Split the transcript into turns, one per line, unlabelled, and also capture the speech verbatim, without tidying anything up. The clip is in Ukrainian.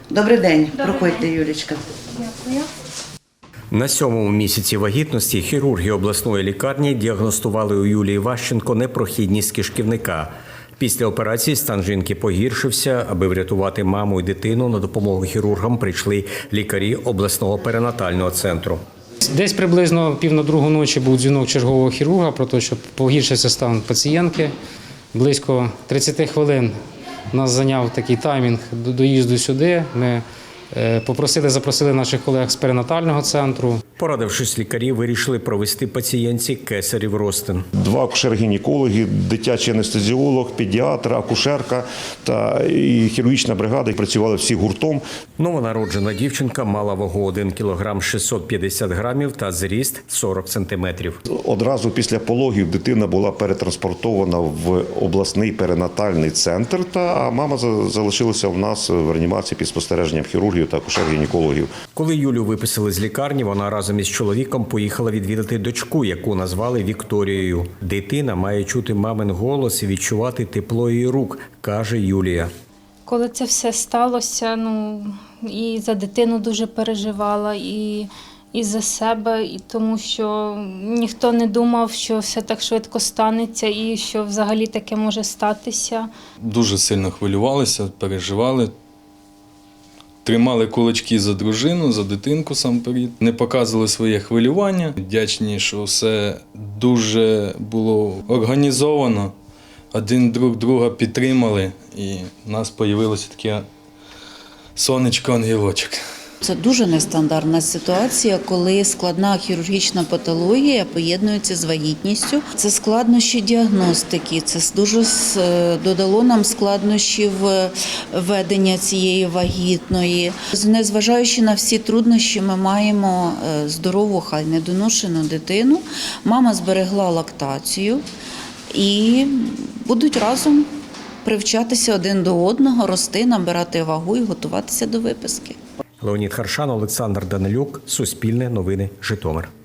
Добрий день, проходьте, Юлічка.
Дякую.
На сьомому місяці вагітності хірурги обласної лікарні діагностували у Юлії Ващенко непрохідність кишківника. Після операції стан жінки погіршився. Аби врятувати маму і дитину, на допомогу хірургам прийшли лікарі обласного перинатального центру.
Десь приблизно пів на другу ночі був дзвінок чергового хірурга про те, що погіршився стан пацієнтки. Близько тридцять хвилин нас зайняв такий таймінг до доїзду сюди. Ми попросили, запросили наших колег з перинатального центру.
Порадившись, лікарі вирішили провести пацієнтці кесарів розтин.
Два акушер-гінекологи, дитячий анестезіолог, педіатр, акушерка та і хірургічна бригада працювали всі гуртом.
Новонароджена дівчинка мала вагу один кілограм шістсот п'ятдесят грамів та зріст сорок сантиметрів.
Одразу після пологів дитина була перетранспортована в обласний перинатальний центр, та мама залишилася в нас в реанімації під спостереженням хірургів та акушер-гінекологів.
Коли Юлю виписали з лікарні, вона разом із чоловіком поїхала відвідати дочку, яку назвали Вікторією. Дитина має чути мамин голос і відчувати тепло її рук, каже Юлія.
Коли це все сталося, ну, і за дитину дуже переживала, і, і за себе, і тому що ніхто не думав, що все так швидко станеться і що взагалі таке може статися.
Дуже сильно хвилювалися, переживали. Тримали кулачки за дружину, за дитинку сам перед. Не показували своє хвилювання. Вдячні, що все дуже було організовано. Один друг друга підтримали і в нас з'явилося таке сонечко-ангелочок.
Це дуже нестандартна ситуація, коли складна хірургічна патологія поєднується з вагітністю. Це складнощі діагностики, це дуже додало нам складнощів ведення цієї вагітної. Незважаючи на всі труднощі, ми маємо здорову, хай недоношену дитину. Мама зберегла лактацію і будуть разом привчатися один до одного, рости, набирати вагу і готуватися до виписки.
Леонід Харшан, Олександр Данилюк, Суспільне новини, Житомир.